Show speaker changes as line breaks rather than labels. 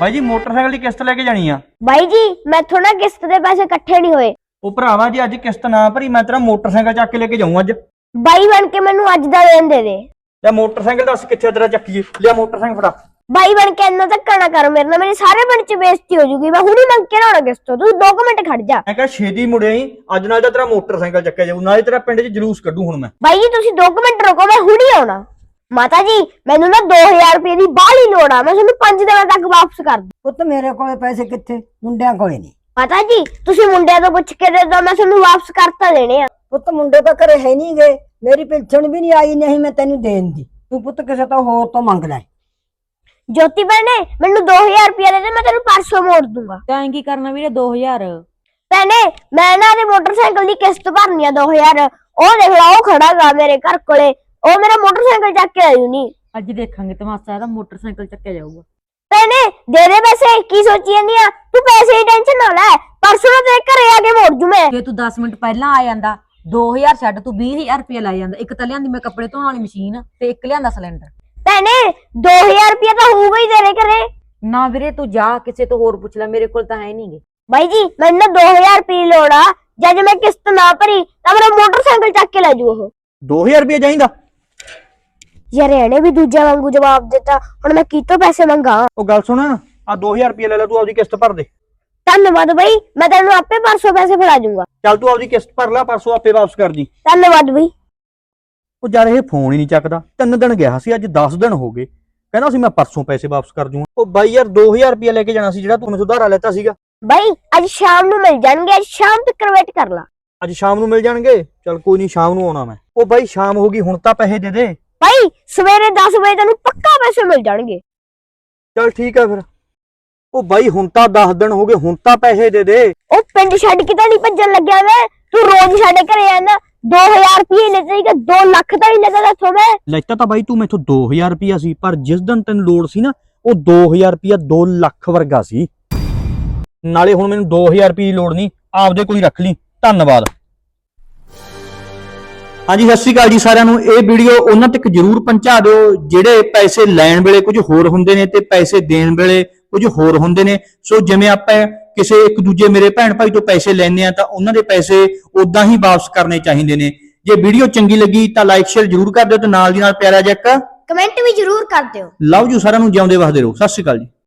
ਬਾਈ ਜੀ ਮੋਟਰਸਾਈਕਲ ਦੀ ਕਿਸ਼ਤ ਲੈ ਕੇ ਜਾਣੀ ਆ।
ਬਾਈ ਜੀ ਮੈਥੋਂ ਨਾ ਕਿਸ਼ਤ ਦੇ ਪੈਸੇ ਇਕੱਠੇ ਨਹੀਂ ਹੋਏ।
ਉਹ ਭਰਾਵਾ ਜੀ ਅੱਜ ਕਿਸ਼ਤ ਨਾ ਭਰੀ ਮੈਂ ਤੇਰਾ ਮੋਟਰਸਾਈਕਲ ਚੱਕ ਕੇ ਲੈ ਕੇ ਜਾਊਂ ਅੱਜ।
ਬਾਈ ਬਣ ਕੇ ਮੈਨੂੰ ਅੱਜ ਦਾ ਦੇਣ ਦੇ ਦੇ।
ਲੈ ਮੋਟਰਸਾਈਕਲ ਦੱਸ ਕਿੱਥੇ ਤੇਰਾ ਚੱਕੀਏ। ਲਿਆ ਮੋਟਰਸਾਈਕਲ ਫੜਾ।
ਬਾਈ ਬਣ ਕੇ ਇੰਨਾ ਧੱਕਾ ਨਾ ਕਰ ਮੇਰੇ ਨਾਲ, ਮੇਰੀ ਸਾਰੇ ਪਿੰਡ ਚ ਬੇਇੱਜ਼ਤੀ ਹੋ ਜੂਗੀ। ਮੈਂ ਹੁਣੀ ਮੰਗ ਕੇ ਲਾਉਣਾ ਕਿਸ਼ਤ ਤੋਂ, ਤੂੰ 2 ਮਿੰਟ ਖੜ ਜਾ।
ਮੈਂ ਕਿਹਾ ਛੇਤੀ ਮੁੜਿਆ ਹੀ ਅੱਜ ਨਾਲ ਤਾਂ ਤੇਰਾ ਮੋਟਰਸਾਈਕਲ ਚੱਕਿਆ ਜਾਊ, ਨਾਲੇ ਤੇਰਾ ਪਿੰਡ 'ਚ ਜਲੂਸ ਕੱਢੂ ਹੁਣ ਮੈਂ।
ਬਾਈ ਜੀ ਤੁਸੀਂ 2 ਮਿੰਟ ਰੁਕੋ, ਮੈਂ ਹੁਣੀ ਆਉਣਾ। ਮਾਤਾ ਜੀ ਮੈਨੂੰ ਨਾ 2000 ਰੁਪਏ ਦੀ ਬਾਹਲੀ ਲੋੜ ਆ, ਮੈਂ ਤੁਹਾਨੂੰ 5 ਦਿਨਾਂ ਤੱਕ ਵਾਪਸ ਕਰ ਦੂੰ।
ਪੁੱਤ ਮੇਰੇ ਕੋਲੇ ਪੈਸੇ ਕਿੱਥੇ, ਮੁੰਡਿਆਂ ਕੋਲੇ ਨਹੀਂ।
ਮਾਤਾ ਜੀ ਤੁਸੀਂ ਮੁੰਡਿਆਂ ਤੋਂ ਪੁੱਛ ਕੇ ਦੇ ਦੋ, ਮੈਂ ਤੁਹਾਨੂੰ ਵਾਪਸ ਕਰਤਾ ਦੇਣੇ ਆ।
ਪੁੱਤ ਮੁੰਡੇ ਤਾਂ ਘਰੇ ਹੈ ਨਹੀਂ ਗਏ, ਮੇਰੀ ਪਿਲਛਣ ਵੀ ਨਹੀਂ ਆਈ, ਨਹੀਂ ਮੈਂ ਤੈਨੂੰ ਦੇਣ ਦੀ। ਤੂੰ ਪੁੱਤ ਕਿਸੇ ਤੋਂ ਹੋਰ ਤੋਂ ਮੰਗ ਲੈ।
ਜੋਤੀ ਭੈਣੇ ਮੈਨੂੰ 2000 ਰੁਪਏ ਦੇ ਦੇ, ਮੈਂ ਤੈਨੂੰ ਪਰਸੋਂ ਮੋੜ ਦੂੰਗਾ।
ਤਾਂ ਕੀ ਕਰਨਾ ਵੀਰੇ 2000?
ਭੈਣੇ ਮੈਂ ਨਾ ਦੇ ਮੋਟਰਸਾਈਕਲ ਦੀ ਕਿਸ਼ਤ ਭਰਨੀ ਆ 2000। ਉਹ ਦੇਖ ਲਾ ਉਹ ਖੜਾਗਾ ਮੇਰੇ ਘਰ ਕੋਲੇ, ਉਹ ਮੇਰਾ ਮੋਟਰਸਾਈਕਲ ਚੱਕ ਕੇ ਆਇਓ ਨਹੀਂ।
ਅੱਜ ਦੇਖਾਂਗੇ ਤਮਾਸ਼ਾ, ਇਹਦਾ ਮੋਟਰਸਾਈਕਲ ਚੱਕਿਆ ਜਾਊਗਾ।
ਭੈਣੇ ਦੇ ਦੇ ਪੈਸੇ, ਕੀ ਸੋਚੀ ਜਾਂਦੀ ਆ ਤੂੰ? ਪੈਸੇ ਦੀ ਟੈਨਸ਼ਨ ਨਾ ਲੈ, ਪਰਸੋਂ ਨੂੰ ਤੇਰੇ ਘਰੇ ਆ ਕੇ ਮੋੜ ਜੂ ਮੈਂ।
ਜੇ ਤੂੰ 10 ਮਿੰਟ ਪਹਿਲਾਂ ਆ ਜਾਂਦਾ 2000 ਛੱਡ ਤੂੰ 20000 ਰੁਪਏ ਲੈ ਜਾਂਦਾ। ਇੱਕ ਤਾਂ ਲਿਆਂਦੀ ਮੈਂ ਕੱਪੜੇ ਧੋਣ ਵਾਲੀ ਮਸ਼ੀਨ ਤੇ ਇੱਕ ਲਿਆਂਦਾ ਸਿਲੰਡਰ।
ਭੈਣੇ 2000 ਰੁਪਏ ਤਾਂ ਹੋਊਗਾ ਹੀ ਤੇਰੇ ਘਰੇ।
ਨਾ ਵੀਰੇ ਤੂੰ ਜਾ ਕਿਸੇ ਤੋਂ ਹੋਰ ਪੁੱਛ ਲੈ, ਮੇਰੇ ਕੋਲ ਤਾਂ ਹੈ ਨਹੀਂਗੇ।
ਬਾਈ ਜੀ ਮੈਨੂੰ ਨਾ 2000 ਰੁਪਏ ਲੋੜ ਆ, ਜਦ ਮੈਂ ਕਿਸ਼ਤ ਨਾ ਭਰੀ ਤਾਂ ਮੇਰਾ ਮੋਟਰਸਾਈਕਲ ਚੱਕ ਕੇ ਲੈ ਜੂ ਉਹ।
2000 ਰੁਪਏ ਚਾਹੀਦਾ?
ਯਾਰ ਇਹਨੇ ਵੀ ਦੂਜਾ ਵਾਂਗੂ ਜਵਾਬ ਦਿੱਤਾ, ਹੁਣ ਮੈਂ ਕਿਤੋਂ ਪੈਸੇ ਮੰਗਾ?
ਉਹ ਗੱਲ ਸੁਣ, ਆ 2000 ਰੁਪਏ ਲੈ ਲੈ, ਤੂੰ ਆਪਦੀ ਕਿਸ਼ਤ ਭਰ ਦੇ।
ਧੰਨਵਾਦ ਬਾਈ, ਮੈਂ ਤੈਨੂੰ ਆਪੇ ਪਰਸੋਂ ਪੈਸੇ ਫੜਾ ਜੂੰਗਾ।
ਚੱਲ ਤੂੰ ਆਪਦੀ ਕਿਸ਼ਤ ਭਰ ਲੈ, ਪਰਸੋਂ ਆਪੇ ਵਾਪਸ ਕਰ ਦੀ।
ਧੰਨਵਾਦ ਬਾਈ।
ਉਹ ਯਾਰ ਇਹ ਫੋਨ ਹੀ ਨਹੀਂ ਚੱਕਦਾ, 3 ਦਿਨ ਗਿਆ ਸੀ, ਅੱਜ 10 ਦਿਨ ਹੋ ਗਏ। ਕਹਿੰਦਾ ਸੀ ਮੈਂ ਪਰਸੋਂ ਪੈਸੇ ਵਾਪਸ ਕਰ ਦੂੰਗਾ। ਉਹ ਬਾਈ ਯਾਰ 2000 ਰੁਪਏ ਲੈ ਕੇ ਜਾਣਾ ਸੀ ਜਿਹੜਾ ਤੂੰ ਮੈਨੂੰ ਉਧਾਰਾ ਲੈਤਾ ਸੀਗਾ।
ਬਾਈ ਅੱਜ ਸ਼ਾਮ ਨੂੰ ਮਿਲ ਜਾਣਗੇ, ਅੱਜ ਸ਼ਾਮ ਤੱਕ ਵੇਟ ਕਰ ਲਾ।
ਅੱਜ ਸ਼ਾਮ ਨੂੰ ਮਿਲ ਜਾਣਗੇ? ਚੱਲ ਕੋਈ ਨਹੀਂ, ਸ਼ਾਮ ਨੂੰ ਆਉਣਾ ਮੈਂ। ਉਹ ਬਾਈ ਸ਼ਾਮ ਹੋ ਗਈ, ਹੁਣ ਤਾਂ ਪੈਸੇ ਦੇ ਦੇ।
ਬਾਈ ਸਵੇਰੇ 10 ਵਜੇ ਤੈਨੂੰ ਪੱਕਾ ਪੈਸੇ ਮਿਲ ਜਾਣਗੇ।
ਚੱਲ ਠੀਕ ਆ ਫਿਰ। ਉਹ ਬਾਈ ਹੁਣ ਤਾਂ 10 ਦਿਨ ਹੋ ਗਏ, ਹੁਣ ਤਾਂ ਪੈਸੇ ਦੇ ਦੇ।
ਉਹ ਪਿੰਡ ਛੱਡ ਕੇ ਤਾਂ ਨਹੀਂ ਭੱਜਣ ਲੱਗਿਆ ਮੈਂ, ਤੂੰ ਰੋਜ਼ ਸਾਡੇ ਘਰੇ ਆਣਾ। 2000 ਰੁਪਏ ਲੈਤੇ ਸੀਗਾ, 2 ਲੱਖ ਦਾ ਹੀ ਲੈਤਾ ਇੱਥੋਂ ਮੈਂ।
ਲੈਤਾ ਤਾਂ ਬਾਈ ਤੂੰ ਮੈਥੋਂ 2000 ਰੁਪਇਆ ਸੀ, ਪਰ ਜਿਸ ਦਿਨ ਤੈਨੂੰ ਲੋੜ ਸੀ ਨਾ ਉਹ 2000 ਰੁਪਇਆ 2 ਲੱਖ ਵਰਗਾ ਸੀ। ਨਾਲੇ ਹੁਣ ਮੈਨੂੰ 2000 ਰੁਪਏ ਦੀ ਲੋੜ ਨਹੀਂ, ਆਪਦੇ ਕੋਲ ਹੀ ਰੱਖ ਲਈ। ਧੰਨਵਾਦ। ਹਾਂਜੀ ਸਤਿ ਸ਼੍ਰੀ ਅਕਾਲ ਜੀ ਸਾਰਿਆਂ ਨੂੰ। ਇਹ ਵੀਡੀਓ ਉਹਨਾਂ ਤੱਕ ਜਰੂਰ ਪਹੁੰਚਾ ਦਿਓ ਜਿਹੜੇ ਪੈਸੇ ਲੈਣ ਵੇਲੇ ਕੁਝ ਹੋਰ ਹੁੰਦੇ ਨੇ ਤੇ ਪੈਸੇ ਦੇਣ ਵੇਲੇ ਕੁਝ ਹੋਰ ਹੁੰਦੇ ਨੇ। ਸੋ ਜਿਵੇਂ ਆਪਾਂ ਕਿਸੇ ਇੱਕ ਦੂਜੇ ਮੇਰੇ ਭੈਣ ਭਾਈ ਤੋਂ ਪੈਸੇ ਲੈਣੇ ਆ ਤਾਂ ਉਹਨਾਂ ਦੇ ਪੈਸੇ ਉਦਾਂ ਹੀ ਵਾਪਸ ਕਰਨੇ ਚਾਹੀਦੇ ਨੇ। ਜੇ ਵੀਡੀਓ ਚੰਗੀ ਲੱਗੀ ਤਾਂ ਲਾਈਕ ਸ਼ੇਅਰ ਜਰੂਰ ਕਰ ਦਿਓ ਤੇ ਨਾਲ ਦੀ ਨਾਲ ਪਿਆਰਾ ਜਿਹਾ ਇੱਕ
ਕਮੈਂਟ ਵੀ ਜਰੂਰ ਕਰ ਦਿਓ।
ਲਵ ਯੂ ਸਾਰਿਆਂ ਨੂੰ, ਜਿਉਂਦੇ ਵਸਦੇ ਰਹੋ। ਸਤਿ ਸ਼੍ਰੀ ਅਕਾਲ ਜੀ।